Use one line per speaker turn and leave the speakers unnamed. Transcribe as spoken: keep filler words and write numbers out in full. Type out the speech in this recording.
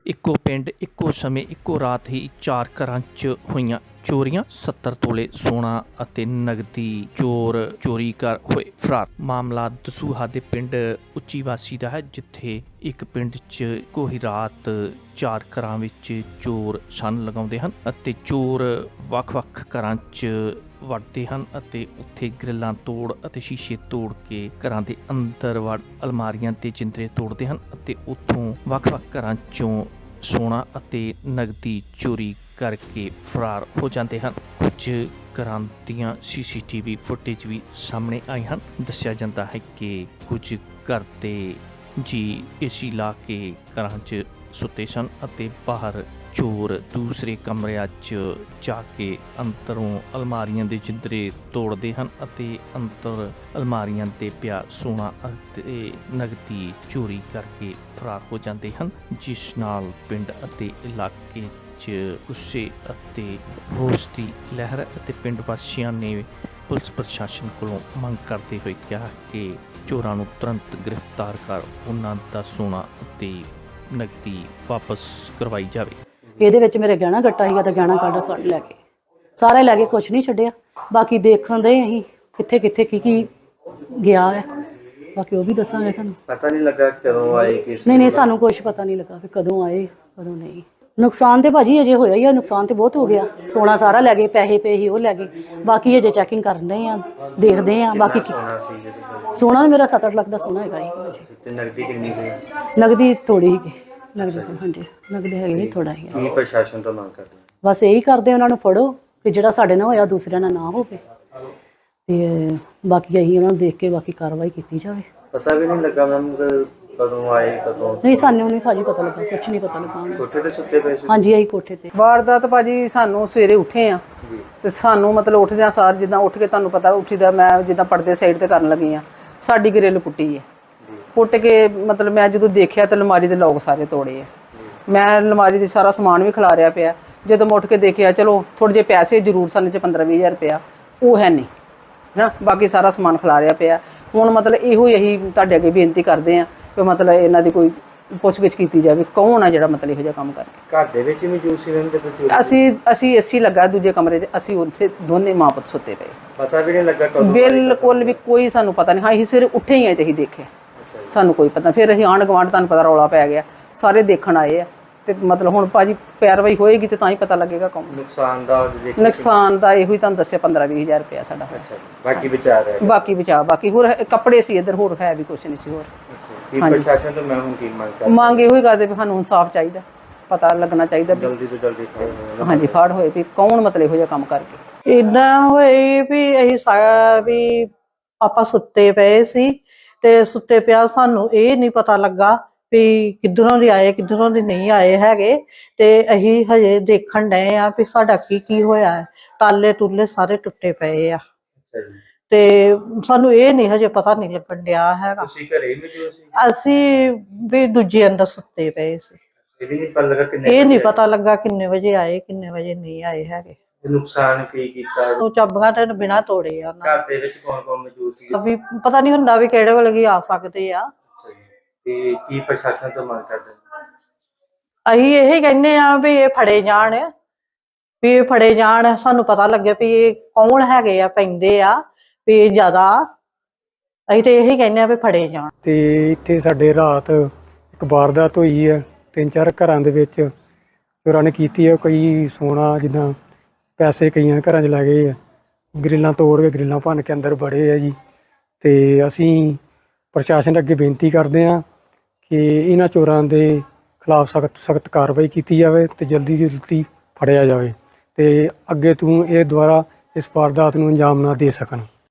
ਇੱਕੋ ਪਿੰਡ ਇੱਕੋ ਸਮੇਂ ਇੱਕੋ ਰਾਤ ਹੀ ਚਾਰ ਘਰਾਂ 'ਚ ਹੋਈਆਂ ਚੋਰੀਆਂ। ਸੱਤਰ ਤੋਲੇ ਸੋਨਾ ਅਤੇ ਨਗਦੀ ਚੋਰ ਚੋਰੀ ਕਰ ਹੋਏ ਫਰਾਰ। ਮਾਮਲਾ ਦਸੂਹਾ ਦੇ ਪਿੰਡ ਉੱਚੀ ਵਾਸੀ ਦਾ ਹੈ, ਜਿੱਥੇ ਇੱਕ ਪਿੰਡ 'ਚ ਕੋਈ ਰਾਤ ਚਾਰ ਘਰਾਂ ਵਿੱਚ ਚੋਰ ਛੰਨ ਲਗਾਉਂਦੇ ਹਨ ਅਤੇ ਚੋਰ ਵੱਖ-ਵੱਖ ਘਰਾਂ 'ਚ ਵੜਦੇ ਹਨ ਅਤੇ ਉੱਥੇ ਗ੍ਰਿਲਾਂ ਤੋੜ ਅਤੇ ਸ਼ੀਸ਼ੇ ਤੋੜ ਕੇ ਘਰਾਂ ਦੇ ਅੰਦਰ ਵੜ ਅਲਮਾਰੀਆਂ ਤੇ ਜਿੰਦਰੇ ਤੋੜਦੇ ਹਨ ਅਤੇ ਉੱਥੋਂ ਵੱਖ-ਵੱਖ ਘਰਾਂ 'ਚੋਂ ਸੋਨਾ ਅਤੇ ਨਗਦੀ ਚੋਰੀ ਕਰਕੇ ਫਰਾਰ ਹੋ ਜਾਂਦੇ ਹਨ। ਕੁਝ ਘਰਾਂ ਦੀਆਂ ਸੀ ਸੀ ਟੀ ਵੀ ਫੁਟੇਜ ਵੀ ਸਾਹਮਣੇ ਆਈ ਹਨ। ਦੱਸਿਆ ਜਾਂਦਾ ਹੈ ਕਿ ਕੁਝ ਘਰ ਦੇ ਜੀ ਏਸੀ ਲਾ ਕੇ ਘਰਾਂ 'ਚ ਸੁੱਤੇ ਸਨ ਅਤੇ ਬਾਹਰ ਚੋਰ ਦੂਸਰੇ ਕਮਰਿਆਂ 'ਚ ਜਾ ਕੇ ਅੰਦਰੋਂ ਅਲਮਾਰੀਆਂ ਦੇ ਜਿੰਦਰੇ ਤੋੜਦੇ ਹਨ ਅਤੇ ਅੰਦਰ ਅਲਮਾਰੀਆਂ 'ਤੇ ਪਿਆ ਸੋਨਾ ਅਤੇ ਨਗਦੀ ਚੋਰੀ ਕਰਕੇ ਫਰਾਰ ਹੋ ਜਾਂਦੇ ਹਨ, ਜਿਸ ਨਾਲ ਪਿੰਡ ਅਤੇ ਇਲਾਕੇ 'ਚ ਗੁੱਸੇ ਅਤੇ ਰੋਸ ਦੀ ਲਹਿਰ ਅਤੇ ਪਿੰਡ ਵਾਸੀਆਂ ਨੇ ਪੁਲਿਸ ਪ੍ਰਸ਼ਾਸਨ ਕੋਲੋਂ ਮੰਗ ਕਰਦੇ ਹੋਏ ਕਿਹਾ ਕਿ ਚੋਰਾਂ ਨੂੰ ਤੁਰੰਤ ਗ੍ਰਿਫਤਾਰ ਕਰ ਉਹਨਾਂ ਦਾ ਸੋਨਾ ਅਤੇ ਨਗਦੀ ਵਾਪਸ ਕਰਵਾਈ ਜਾਵੇ।
ਇਹਦੇ ਵਿੱਚ ਮੇਰੇ ਗਹਿਣਾ ਗੱਟਾ ਸੀਗਾ ਤਾਂ ਗਹਿਣਾ ਕੱਢ ਕੱਢ ਲੈ ਕੇ ਸਾਰੇ ਲੈ ਕੇ ਕੁਛ ਨਹੀਂ ਛੱਡਿਆ। ਬਾਕੀ ਦੇਖਣ ਦੇ ਅਸੀਂ ਕਿੱਥੇ ਕਿੱਥੇ ਕੀ ਕੀ ਗਿਆ ਹੈ, ਬਾਕੀ ਉਹ ਵੀ ਦੱਸਾਂਗੇ ਤੁਹਾਨੂੰ।
ਪਤਾ ਨਹੀਂ ਲੱਗਾ ਕਦੋਂ ਆਏ ਕਿਸ
ਨਹੀਂ ਨਹੀਂ ਸਾਨੂੰ ਕੁਛ ਪਤਾ ਨਹੀਂ ਲੱਗਾ ਕਿ ਕਦੋਂ ਆਏ ਕਦੋਂ ਨਹੀਂ। ਨੁਕਸਾਨ ਤੇ ਭਾਜੀ ਅਜੇ ਹੋਇਆ ਹੀ ਆ, ਨੁਕਸਾਨ ਤੇ ਬਹੁਤ ਹੋ ਗਿਆ। ਸੋਨਾ ਸਾਰਾ ਲੈ ਗਏ, ਪੈਸੇ ਪਏ ਸੀ ਉਹ ਲੈ ਗਏ, ਬਾਕੀ ਅਜੇ ਚੈਕਿੰਗ ਕਰਨ ਰਹੇ ਆ, ਦੇਖਦੇ ਆ। ਬਾਕੀ
ਸੋਨਾ ਸੀ ਜਿਹਦੇ
ਸੋਨਾ ਮੇਰਾ ਸੱਤ ਅੱਠ ਲੱਖ ਦਾ ਸੋਨਾ ਹੈਗਾ ਹੀ।
ਤੇ ਨਗਦੀ ਕਿੰਨੀ ਸੀ?
ਨਗਦੀ ਥੋੜੀ ਸੀਗੀ, ਨਗਦੀ ਹਾਂਜੀ ਨਗਦੀ ਹੈਗੀ ਥੋੜਾ ਹੀ।
ਕੀ ਪ੍ਰਸ਼ਾਸਨ ਤੋਂ ਮੰਗ ਕਰਦੇ?
ਬਸ ਇਹੀ ਕਰਦੇ ਉਹਨਾਂ ਨੂੰ ਫੜੋ ਕਿ ਜਿਹੜਾ ਸਾਡੇ ਨਾਲ ਹੋਇਆ ਦੂਸਰਿਆਂ ਨਾਲ ਨਾ ਹੋਵੇ, ਤੇ ਬਾਕੀ ਅਸੀਂ ਉਹਨਾਂ ਨੂੰ ਦੇਖ ਕੇ ਬਾਕੀ ਕਾਰਵਾਈ ਕੀਤੀ ਜਾਵੇ।
ਪਤਾ ਵੀ ਨਹੀਂ ਲੱਗਾ ਮੈਮ ਕਦੋਂ ਆਏ ਕਦੋਂ?
ਨਹੀਂ ਸਾਨੂੰ ਨਹੀਂ ਭਾਜੀ ਪਤਾ ਲੱਗਾ, ਕੁਛ ਨਹੀਂ ਪਤਾ ਲੱਗਾ।
ਕੋਠੇ ਤੇ ਸੁੱਤੇ ਪਏ ਸੀ?
ਹਾਂਜੀ ਆਈ ਕੋਠੇ ਤੇ।
ਵਾਰਦਾਤ ਭਾਜੀ ਸਾਨੂੰ ਸਵੇਰੇ ਉੱਠੇ ਆ ਤੇ ਸਾਨੂੰ ਮਤਲਬ ਉੱਠਦਿਆਂ ਸਾਰ ਜਿੱਦਾਂ ਉੱਠ ਕੇ ਤੁਹਾਨੂੰ ਪਤਾ ਉੱਠੀਦਾ ਮੈਂ ਜਿੱਦਾਂ ਪਰਦੇ ਸਾਈਡ ਤੇ ਕਰਨ ਲੱਗੀ ਆ, ਸਾਡੀ ਗ੍ਰਿਲ ਪੁੱਟੀ ਹੈ। ਪੁੱਟ ਕੇ ਮਤਲਬ ਮੈਂ ਜਦੋਂ ਦੇਖਿਆ ਤਾਂ ਅਲਮਾਰੀ ਦੇ ਲੋਕ ਸਾਰੇ ਤੋੜੇ ਆ। ਮੈਂ ਅਲਮਾਰੀ ਦੇ ਸਾਰਾ ਸਮਾਨ ਵੀ ਖਿਲਾਰਿਆ ਪਿਆ। ਜਦੋਂ ਮੈਂ ਉੱਠ ਕੇ ਦੇਖਿਆ ਚਲੋ ਥੋੜ੍ਹੇ ਜਿਹੇ ਪੈਸੇ ਜ਼ਰੂਰ ਸਨ, ਚ ਪੰਦਰਾਂ ਵੀਹ ਹਜ਼ਾਰ ਰੁਪਇਆ ਉਹ ਹੈ ਨਹੀਂ ਹੈ, ਬਾਕੀ ਸਾਰਾ ਸਮਾਨ ਖਿਲਾਰਿਆ ਪਿਆ। ਹੁਣ ਮਤਲਬ ਇਹੋ ਹੀ ਅਸੀਂ ਤੁਹਾਡੇ ਅੱਗੇ ਬੇਨਤੀ ਕਰਦੇ ਹਾਂ ਕਿ ਮਤਲਬ ਇਹਨਾਂ ਦੀ ਕੋਈ ਪੁੱਛਗਿੱਛ ਕੀਤੀ ਜਾਵੇ, ਕੌਣ ਆ ਜਿਹੜਾ ਮਤਲਬ ਇਹੋ ਜਿਹਾ ਕੰਮ ਕਰਕੇ।
ਘਰ ਦੇ ਵਿੱਚ ਮੌਜੂਦ ਸੀ ਰਹਿੰਦੇ?
ਅਸੀਂ ਅਸੀਂ ਏਸੀ ਲੱਗਾ ਦੂਜੇ ਕਮਰੇ 'ਚ, ਅਸੀਂ ਉੱਥੇ ਦੋਨੇ ਮਾਂ ਪੁੱਤ ਸੁੱਤੇ ਪਏ।
ਪਤਾ ਵੀ ਨਹੀਂ ਲੱਗਾ ਕਦੋਂ?
ਬਿਲਕੁਲ ਵੀ ਕੋਈ ਸਾਨੂੰ ਪਤਾ ਨਹੀਂ। ਹਾਂ ਅਸੀਂ ਸਵੇਰੇ ਉੱਠੇ ਹੀ ਆਏ ਤੇ ਅਸੀਂ ਦੇਖਿਆ, ਸਾਨੂੰ ਕੋਈ ਪਤਾ। ਫਿਰ ਅਸੀਂ ਆਂਢ ਗੁਆਂਢ ਤੁਹਾਨੂੰ ਪਤਾ ਰੌਲਾ ਪੈ ਗਿਆ, ਸਾਰੇ ਦੇਖਣ ਆਏ ਆ ਤੇ ਮਤਲਬ ਹੁਣ ਭਾਜੀ ਪੈਰਵਾਈ ਹੋਏਗੀ ਤੇ ਤਾਂ ਹੀ ਪਤਾ ਲੱਗੇਗਾ ਕੌਣ।
ਨੁਕਸਾਨ ਦਾ
ਨੁਕਸਾਨ ਦਾ ਇਹੋ ਹੀ ਤੁਹਾਨੂੰ ਦੱਸਿਆ ਪੰਦਰਾਂ ਵੀਹ ਹਜ਼ਾਰ ਰੁਪਇਆ ਸਾਡਾ।
ਬਾਕੀ ਬਚਾ ਰਿਹਾ?
ਬਾਕੀ ਬਚਾ ਬਾਕੀ ਹੋਰ ਕੱਪੜੇ ਸੀ ਇੱਧਰ, ਹੋਰ ਹੈ ਵੀ ਕੁਛ ਨਹੀਂ ਸੀ ਹੋਰ।
ਕੀ ਪ੍ਰਸ਼ਾਸਨ ਤੋਂ ਮੈਂ ਹੁਣ ਕੀ ਮੰਗ ਕਰਦਾ?
ਮੰਗ ਇਹੋ ਹੀ ਕਰਦੇ ਵੀ ਸਾਨੂੰ ਇਨਸਾਫ ਚਾਹੀਦਾ, ਪਤਾ ਲੱਗਣਾ ਚਾਹੀਦਾ
ਜਲਦੀ ਤੋਂ ਜਲਦੀ ਫੜ।
ਹਾਂਜੀ ਫੜ ਹੋਏ ਵੀ ਕੌਣ ਮਤਲਬ ਇਹੋ ਜਿਹਾ ਕੰਮ ਕਰਕੇ।
ਇਦਾਂ ਹੋਏ ਵੀ ਅਸੀਂ ਸਾਰਾ ਵੀ ਆਪਾਂ ਸੁੱਤੇ ਪਏ ਸੀ ਤੇ ਸੁੱਤੇ ਪਿਆ ਸਾਨੂੰ ਇਹ ਨਹੀਂ ਪਤਾ ਲੱਗਾ ਵੀ ਕਿੱਧਰੋਂ ਦੀ ਆਏ ਕਿੱਧਰੋਂ ਦੀ ਨਹੀਂ ਆਏ ਹੈਗੇ, ਤੇ ਅਸੀਂ ਹਜੇ ਦੇਖਣ ਡਏ ਆ ਵੀ ਸਾਡਾ ਕੀ ਕੀ ਹੋਇਆ ਹੈ। ਤਾਲੇ ਤੁਲੇ ਸਾਰੇ ਟੁੱਟੇ ਪਏ ਆ ਤੇ ਸਾਨੂੰ ਇਹ ਨਹੀਂ ਹਜੇ ਪਤਾ ਨਹੀਂ ਲੱਗਣ ਡਿਆ ਹੈਗਾ।
ਤੁਸੀਂ ਘਰੇ ਮੌਜੂਦ ਸੀ?
ਅਸੀਂ ਵੀ ਦੂਜੇ ਅੰਦਰ ਸੁੱਤੇ ਪਏ ਸੀ।
ਇਹ ਵੀ ਨਹੀਂ ਪਤਾ ਲੱਗਾ ਕਿੰਨੇ
ਇਹ ਨਹੀਂ ਪਤਾ ਲੱਗਾ ਕਿੰਨੇ ਵਜੇ ਆਏ ਕਿੰਨੇ ਵਜੇ ਨਹੀਂ ਆਏ ਹੈਗੇ।
ਨੁਕਸਾਨ ਕੀ ਕੀਤਾ?
ਉਹ ਚਾਬੀਆਂ ਤੇ ਬਿਨਾਂ ਤੋੜੇ ਆ।
ਘਰ ਦੇ ਵਿੱਚ ਕੌਣ ਕੌਣ ਮੌਜੂਦ ਸੀ?
ਵੀ ਪਤਾ ਨਹੀਂ ਹੁੰਦਾ ਵੀ ਕਿਹੜੇ ਵੇਲੇ ਆ ਸਕਦੇ ਆ।
ਤੇ ਕੀ ਪ੍ਰਸ਼ਾਸਨ ਤੋਂ ਮੰਗ ਕਰਦੇ?
ਅਸੀਂ ਇਹ ਕਹਿੰਦੇ ਆ ਵੀ ਇਹ ਫੜੇ ਜਾਣ, ਵੀ ਇਹ ਫੜੇ ਜਾਣ, ਸਾਨੂੰ ਪਤਾ ਲੱਗੇ ਵੀ ਇਹ ਕੌਣ ਹੈਗੇ ਆ ਪੈਂਦੇ ਆ ਵੀ ਜ਼ਿਆਦਾ। ਅਸੀਂ ਤੇ ਇਹੀ ਕਹਿੰਦੇ ਆ ਵੀ ਫੜੇ ਜਾਣ।
ਤੇ ਇੱਥੇ ਸਾਡੇ ਰਾਤ ਇੱਕ ਵਾਰਦਾਤ ਹੋਈ ਹੈ, ਤਿੰਨ ਚਾਰ ਘਰਾਂ ਦੇ ਵਿੱਚ ਚੋਰਾਂ ਨੇ ਕੀਤੀ ਹੈ। ਕਈ ਸੋਨਾ ਜਿੱਦਾਂ ਪੈਸੇ ਕਈਆਂ ਘਰਾਂ 'ਚ ਲੈ ਗਏ ਆ, ਗ੍ਰਿਲਾਂ ਤੋੜ ਕੇ ਗ੍ਰਿਲਾਂ ਭੰਨ ਕੇ ਅੰਦਰ ਵੜੇ ਆ ਜੀ। ਤੇ ਅਸੀਂ ਪ੍ਰਸ਼ਾਸਨ ਅੱਗੇ ਬੇਨਤੀ ਕਰਦੇ ਹਾਂ ਕਿ ਇਹਨਾਂ ਚੋਰਾਂ ਦੇ ਖਿਲਾਫ ਸਖਤ ਸਖਤ ਕਾਰਵਾਈ ਕੀਤੀ ਜਾਵੇ ਤੇ ਜਲਦੀ ਤੋਂ ਜਲਦੀ ਫੜਿਆ ਜਾਵੇ ਤੇ ਅੱਗੇ ਤੋਂ ਇਹ ਦੁਬਾਰਾ ਇਸ ਵਾਰਦਾਤ ਨੂੰ ਅੰਜਾਮ ਨਾ ਦੇ ਸਕਣ।